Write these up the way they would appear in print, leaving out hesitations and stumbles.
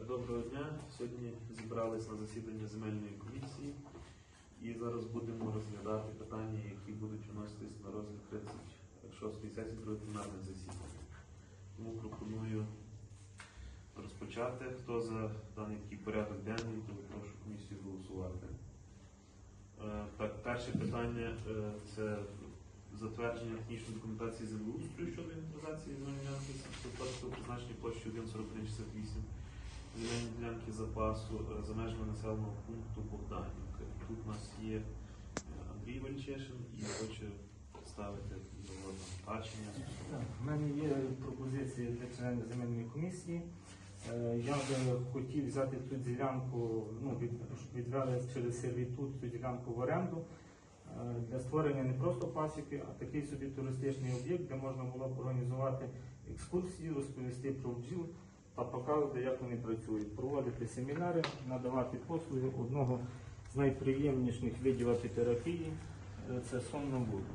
Доброго дня. Сьогодні зібрались на засідання земельної комісії і зараз будемо розглядати питання, які будуть вноситись на розгляд 36-ї сесії другого пленарного засідання. Тому пропоную розпочати. Хто за даний такий порядок денний, то прошу комісію голосувати. Так, перше питання це затвердження технічної документації землеустрою щодо інвентаризації земельної ділянки сільськогосподарського призначення площі 1,4168 земельної ділянки запасу за межами населеного пункту Богданівка. Тут у нас є Андрій Вальчешин і хоче ставити його бачення. У мене є пропозиції для членів земельної комісії. Я би хотів взяти ту ділянку, відвели через сервітут цю ділянку в оренду для створення не просто пасіки, а такий собі туристичний об'єкт, де можна було б організувати екскурсії, розповісти про бджіл та показувати, як вони працюють, проводити семінари, надавати послуги. Одного з найприємніших видів апітерапії – це сон на воду.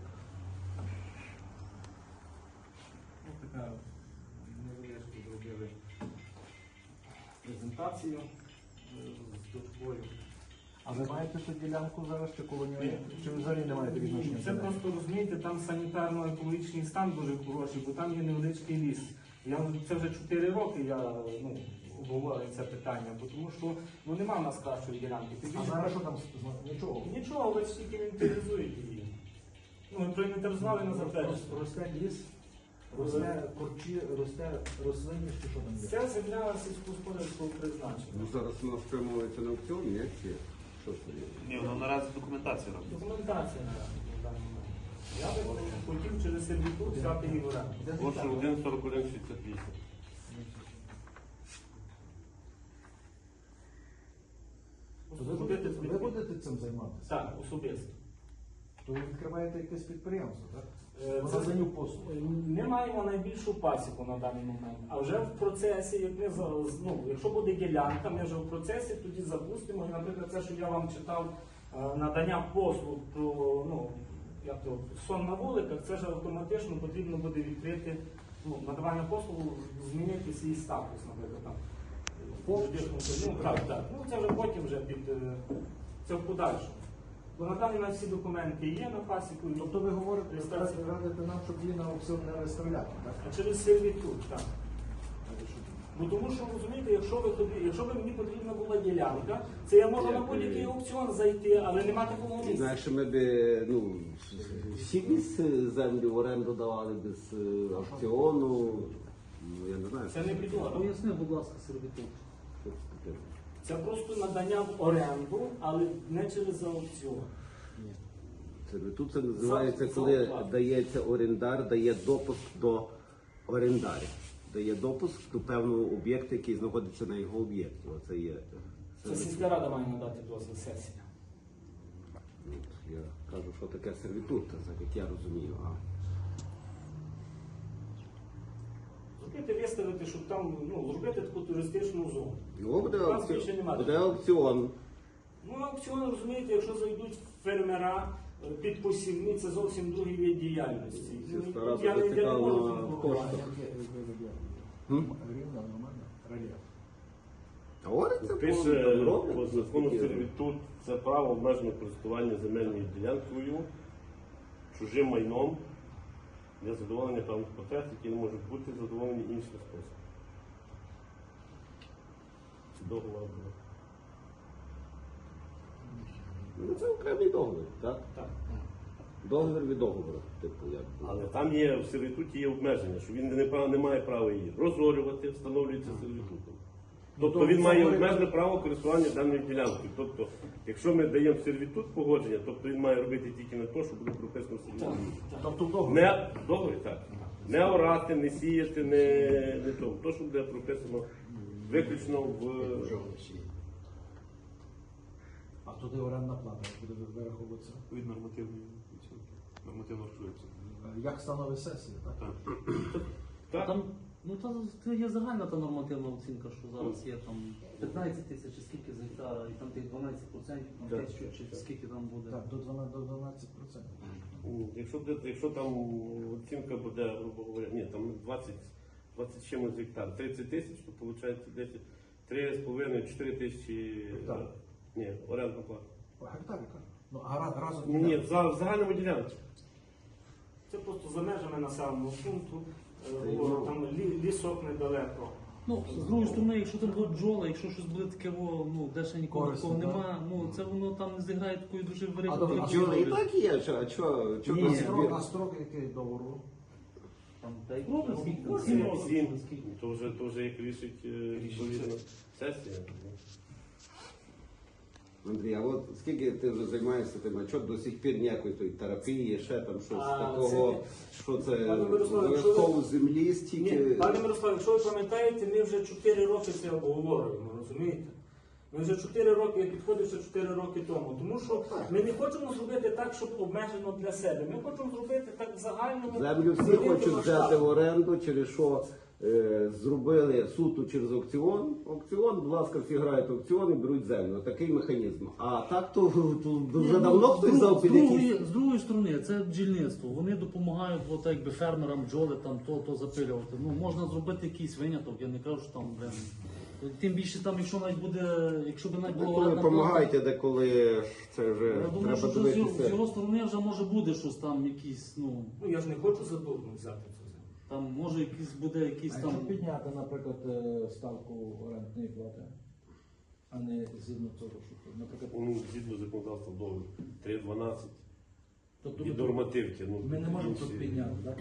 Ось така невеличку зробили презентацію з дошкою. А ви маєте ту ділянку зараз чи коло нього? Чи ви взагалі не маєте відношення? Це просто, розумієте, там санітарно-екологічний стан дуже хороший, бо там є невеличкий ліс. Це вже 4 роки я обговорюю це питання, бо тому що нема в нас кращої ділянки. А зараз що там? Нічого. Нічого, ви тільки інвентаризуєте її. Ми проінвентаризували на затвердження. Росте ліс, росте корчі, росте рослинність, чи що там є? Це земля сільськогосподарського призначення. Ну, зараз воно спрямовується на аукціон, ні? Чи що це є? Ні, воно наразі документація робить. Документація на даний момент. Я би хотів через сервітут взяти її в оренду. Площа 1,4168. Ви будете цим займатися? Так, особисто. То ви відкриваєте якесь підприємство, так? Наданню послуг. Ми маємо найбільшу пасіку на даний момент, а вже в процесі, якщо буде ділянка, ми вже в процесі тоді запустимо. І, наприклад, те, що я вам читав, надання послуг про сон на вуликах, це ж автоматично потрібно буде відкрити надавання послуг, змінити свій статус, наприклад. Там. Це вже потім це в подальшому. Бо на даний момент всі документи є на пасіку. Тобто ви говорите, радите нам, щоб її на аукціон не виставляти, так? А через сервітут, так. Бо тому що, розумієте, якщо б мені потрібна була ділянка, це я можу на будь-який аукціон зайти, але нема такого місця. Знаєш, ми б всі землі в оренду давали без аукціону. Я не знаю. Це не підлога. Поясни, будь ласка, сервітут. Що це таке. Це просто надання в оренду, але не через аукціон. Тут це називається, коли дається орендар, дає допуск до орендаря. Дає допуск до певного об'єкту, який знаходиться на його об'єкті. Оце є. Це сільська рада має надати дозвіл сесія. Я кажу, що таке сервітут, так як я розумію. Зробити, виставити, щоб там, зробити таку туристичну зону. Його буде Там більше немає. буде аукціон. Аукціон, розумієте, якщо зайдуть фермера під посівні, це зовсім другий вид діяльності. Сільська рада Я не можу зацікавлена цим в говорити. коштах. Рівно, нормально, рельєф. Говориться, Пише по закону сервітут – це право обмеженого користування земельною ділянкою, чужим майном для задоволення певних потреб, які не можуть бути задоволені іншим способом. Договор буде. Ну, це окремий договір, так? Так. Договір від договору. Але там є, в сервітуті є обмеження, що він не має права її розорювати, встановлюється сервітутом. Тобто він має обмежене право користування даною ділянкою. Тобто, якщо ми даємо сервітут погодження, тобто він має робити тільки на те, що буде прописано в сервітуті. Тобто в договорі? Не в договорі, так. Не орати, не сіяти, не то. То, що буде прописано виключно в... А туди орендна плата буде вираховуватися? Від нормативної оцінки. Нормативно рахується. Як становить сесія, так? Так. Там, це є загальна та нормативна оцінка, що зараз є там 15 тисяч, чи скільки з гектара, і там тих 12%, там Так. чи скільки там буде. Так, до 12%. Якщо там оцінка буде, грубо говоря, ні, там 20 чимось гектар, 30 тисяч, то виходить 10 3,5-4 тисячі. Гектар. Ні, орендна плата. Гектар, яка? Ну, а разом Ні, в загальному ділянці. Це просто за межами населеного пункту, Та й там лісок недалеко. Ну, з другої сторони, якщо там будуть бджоли, якщо щось буде таке, де ще нікого Корисно, такого так. нема, це воно там не зіграє такої дуже добре, великої а Бджоли і так є, а чого Ні, А строк який договору? Там, та й ну, скільки там, 7 7 років, років. скільки. То вже як рішить відповідно сесія. Андрій, а от скільки ти вже займаєшся тим, а чого до сих пір ніякої тої терапії, ще там щось А, такого, що це Пане Мирославе, обов'язково з землі Ні, стільки. пане Мирославе, якщо ви пам'ятаєте, ми вже 4 роки це обговорюємо, розумієте? Ми вже 4 роки, я підходив ще 4 роки тому. Тому що ми не хочемо зробити так, щоб обмежено для себе. Ми хочемо зробити так в загальному. Землю всі великому хочуть взяти масштабі. в оренду, через що зробили суто через аукціон. Аукціон, будь ласка, всі грають в аукціон і беруть землю. Такий механізм. А так то вже давно хтось взяв під якісь. З другої сторони, це бджільництво. Вони допомагають от, якби фермерам бджоли там то запилювати. Ну, можна зробити якийсь виняток, я не кажу, що там, блин. Тим більше там, якщо навіть буде, якщо б навіть було Коли орендна плата, допомагаєте, деколи це вже я думаю, що треба з його дивитися. сторони вже може буде щось там, якісь, ну, Ну я ж не хочу задурно взяти цю землю. там може якийсь буде якийсь А там. якщо підняти, наприклад, ставку орендної плати, а не згідно того, що, наприклад, Ну, згідно законодавства договору 3,12 тобто і нормативки. Ну, ми не можемо інші- тут підняти, так?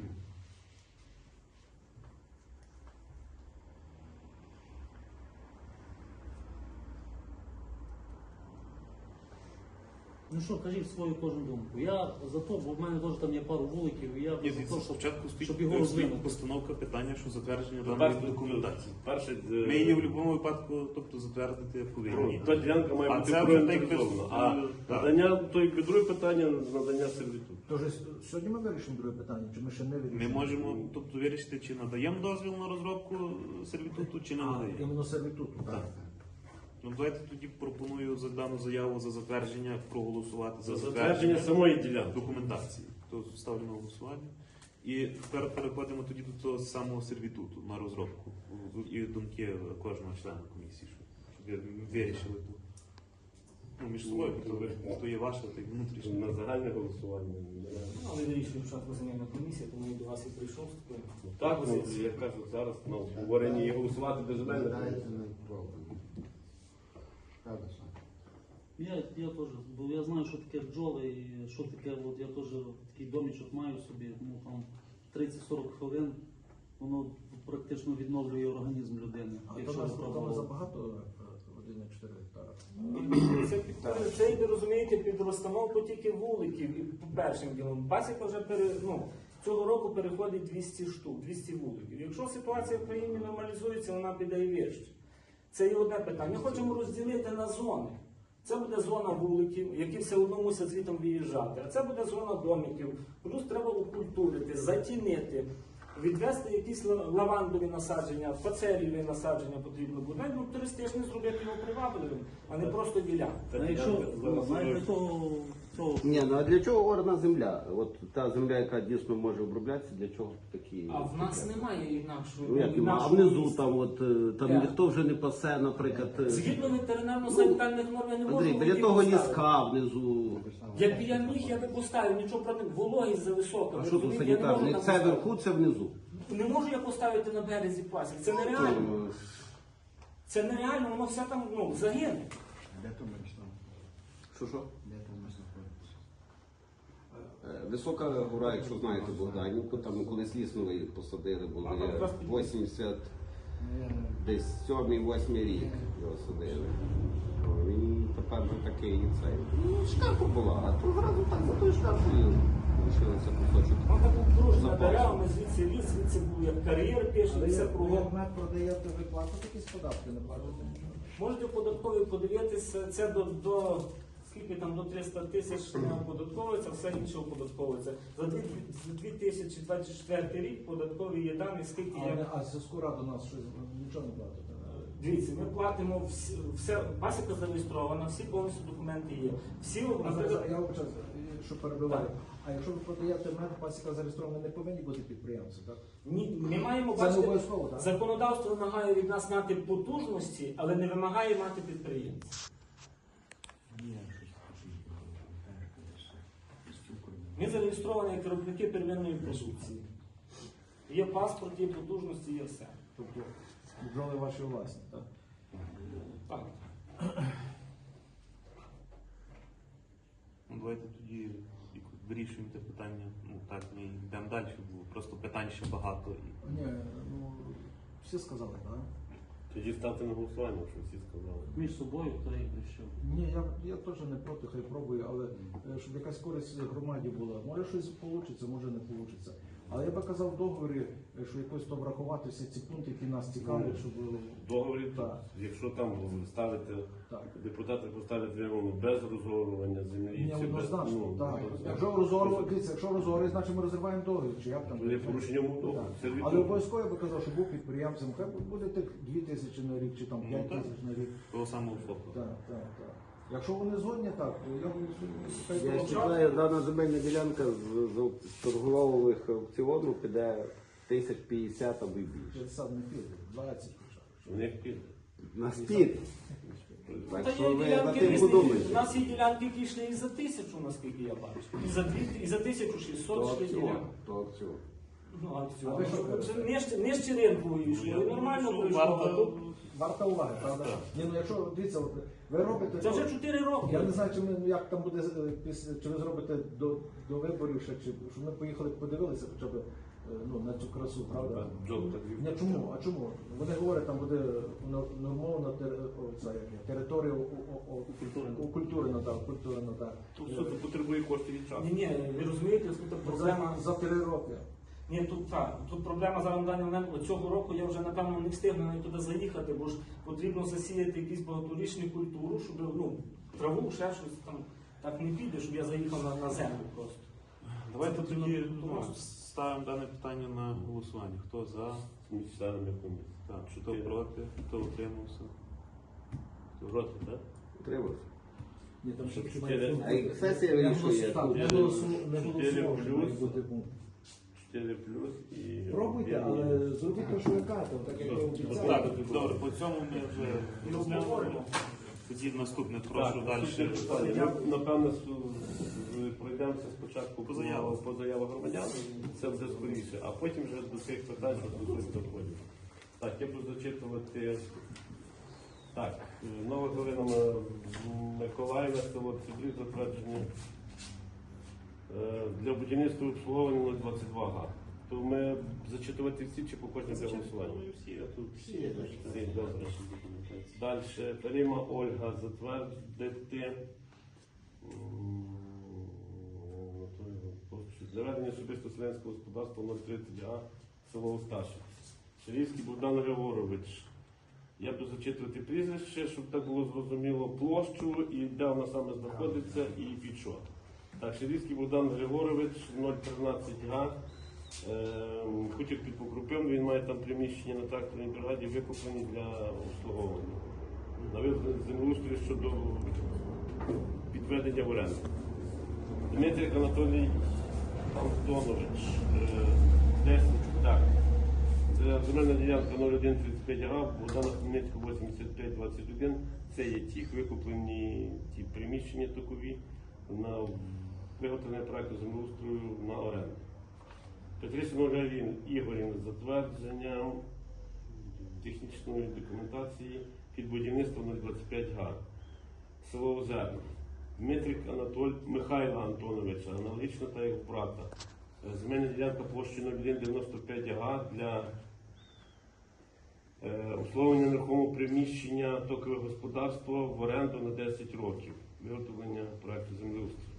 Ну що, кажіть свою кожну думку. Я за то, бо в мене теж там є пару вуликів, і я Ні, за дивіться, те, щоб спочатку щоб його стоїть розвинути. постановка питання, що затвердження Ну, даної перше, документації. перше, Ми її в будь-якому випадку, тобто затвердити повинні. та ділянка має А бути це вже так без- проінтересована. А так. надання, то якби друге питання, надання сервітуту. Тож сьогодні ми вирішимо друге питання, чи ми ще не вирішимо? Ми можемо тобто вирішити, чи надаємо дозвіл на розробку сервітуту, чи не надаємо. Іменно сервітуту, так. Ну давайте тоді пропоную за дану заяву за затвердження проголосувати За затвердження самої ділянки. документації. То ставлю на голосування. І тепер переходимо тоді до того самого сервітуту на розробку і думки кожного члена комісії, щоб вирішили тут. Ну, між собою, то є ваше, то й внутрішнє. На загальне голосування. Ну, але вирішили, що земельна комісія, тому я до вас і прийшов з такою. Так, ну, я кажу, зараз на обговоренні є голосувати без земельних. Я теж, бо я знаю, що таке бджоли і що таке, от я теж такий домічок маю собі, ну там 30-40 хвилин, воно практично відновлює організм людини. А Якщо то випробувати. забагато 1,4 гектара. Це йде, розумієте, під розстановку тільки вуликів і по першим ділом. Пасіка вже цього року переходить 200 штук, 200 вуликів. Якщо ситуація в країні нормалізується, вона піде і вище. Це є одне питання. Ми хочемо розділити на зони. Це буде зона вуликів, які все одно мусять звідти виїжджати. А це буде зона домиків. Плюс треба окультурити, затінити, відвести якісь лавандові насадження, фацеліві насадження потрібно буде. Ну, туристичне зробити його привабливим, а не просто ділянку. А якщо навіть для того, Ні, ну а для чого орна земля? От та земля, яка дійсно може оброблятися, для чого такі? А в нас немає інакшої. Ну, як, а внизу там, от, там Так. ніхто вже не пасе, наприклад. Згідно ветеринарно-санітарних норм я не можу. Андрій, біля водій того поставити. ліска внизу. Якби я міг, я би поставив, нічого проти, вологість зависока. А що тут санітарний? Це вверху, це внизу. Не можу я поставити на березі пасік, це нереально. Це нереально, воно все там загине. Що? Висока гора, якщо знаєте Богданівку, там колись лісновий посадили, було А, якраз під- 80, десь 7-8 рік його садили. Він тепер вже такий цей. Ну, шкарпа була, а то зразу так за тою шкарпою лишилося кусочок. Вона так обдружена Запас. деревами, звідси ліс, звідси був як кар'єр пішов, Але все як кругом. мед продаєте, ви платите якісь податки, не платите нічого? Можете податкові подивитися, це до скільки там до 300 тисяч не оподатковується, все інше оподатковується. За 2024 рік податкові є дані, скільки є. А зв'язку раду нас щось нічого не платите? Дивіться, ми платимо все, пасіка зареєстрована, всі повністю документи є. Всі, наприклад, Я вибачаю, що перебиваю. А якщо ви продаєте мед, пасіка зареєстрована, не повинні бути підприємці, так? Ні, ми маємо Це не бачити, обов'язково, так? законодавство вимагає від нас мати потужності, але не вимагає мати підприємців. Ми зареєстровані як виробники первинної продукції. Є паспорт, є потужності, є все. Тобто бджоли ваші власні, так? Так. Ну, давайте тоді якось вирішуємо те питання. Ну так, ми йдемо далі, бо просто питань ще багато. Ні, ну всі сказали, так? Тоді ставте на голосування, що всі сказали. Між собою, хто як вирішив. Ні, я теж не проти, хай пробую, але щоб якась користь громаді була. Може щось вийде, може не вийде. Але я би казав в договорі, що якось то врахувати всі ці пункти, які нас цікавлять, щоб В договорі, Так. якщо там ставите, так. депутати поставлять вимогу без розгорування землі, Ні, чи без, однозначно, так. однозначно. Якщо розорвали, дивіться, якщо розорвали, значить ми розриваємо договір, чи як там. То є порушення умов. Так. Сервітут. Але обов'язково я би казав, що був підприємцем, хай буде тих 2 тисячі на рік, чи там 5 Ну, так. тисяч на рік. Того самого фото. Так, так, так. Якщо вони згодні, так, то я б Я вважаю, дана земельна ділянка з торгових аукціону піде 1050 або й більше. 50 не піде, 20 хоча б. У них під. На спід. Та Так є що ви ділянки над тим різні. У подумайте. нас є ділянки, які йшли і за 1000, наскільки я бачу. І за 2, і за 1600 йшли ділянки. То аукціон. Ну, акціон. А ви що кажете? Нижче ринку йшли, і нормально Ну, пройшло. варто- а тут Варта уваги, правда? Ні, ну якщо, дивіться, от, ви робите... Це вже 4 роки. Я не знаю, чи, ми, як там буде, чи ви зробите до виборів ще, чи щоб ми поїхали подивилися хоча б ну, на цю красу, правда? Джоб так Ні, чому? А чому? Вони говорять, там буде нормована територія укультурена, так. Тут все це потребує коштів від часу. Ні, ви розумієте, тут проблема. За 3 роки. Ні, тут так. Тут проблема зараз на даний момент. Цього року я вже напевно не встигну навіть туди заїхати, бо ж потрібно засіяти якусь багаторічну культуру, щоб ну, траву, ще щось там так не піде, щоб я заїхав на землю просто. Давайте Це тоді потрібно ну, ставимо дане питання на голосування. Хто за? З членами комісії. Так, хто проти, хто утримався? Хто проти, так? Утримався. Ні, там ще Чотири. має бути. А як сесія вирішує, Так, не Чотири голосував, плюс. має бути пункт. 4 плюс і... Пробуйте, але зробіть те, що ви кажете, так як ви обіцяли. Так, добре, по цьому ми вже розглянули. Тоді наступне, прошу далі. Ми, напевно, пройдемося спочатку По заявах. по заявах громадян, це буде скоріше, а потім вже до тих питань, що стосуються доходів. Так, я буду зачитувати. Так, Нова Галина Миколаївна, село Цибрів, затвердження для будівництва і обслуговування 022 га. То ми зачитувати всі чи по кожній для голосування? Всі, а тут Всі, добре. Далі. Рима Ольга затвердити для ведення особисто селянського господарства 030 А село Осташів. Ширівський Богдан Григорович. Я буду зачитувати прізвище, щоб так було зрозуміло площу і де вона саме знаходиться і під що. Так, Ширівський Богдан Григорович 013 Га. Хутір під Покрупим, він має там приміщення на тракторній бригаді викуплені для обслуговування. На визнання землеустрою щодо підведення в оренду. Дмитрик Анатолій Антонович, 10, так. Це земельна ділянка 0135 га, Богдана Хмельницького 8521. Це є ті викуплені ті приміщення такові на виготовлення проекту землеустрою на оренду. Петрисин Ольга Ігорівна з затвердженням технічної документації під будівництво 025 га. Село Озерне. Дмитрик Михайла Антоновича, аналогічно та як брата. Земельна ділянка площею 0195 га для обслуговування нерухомого приміщення токове господарство в оренду на 10 років. Виготовлення проекту землеустрою.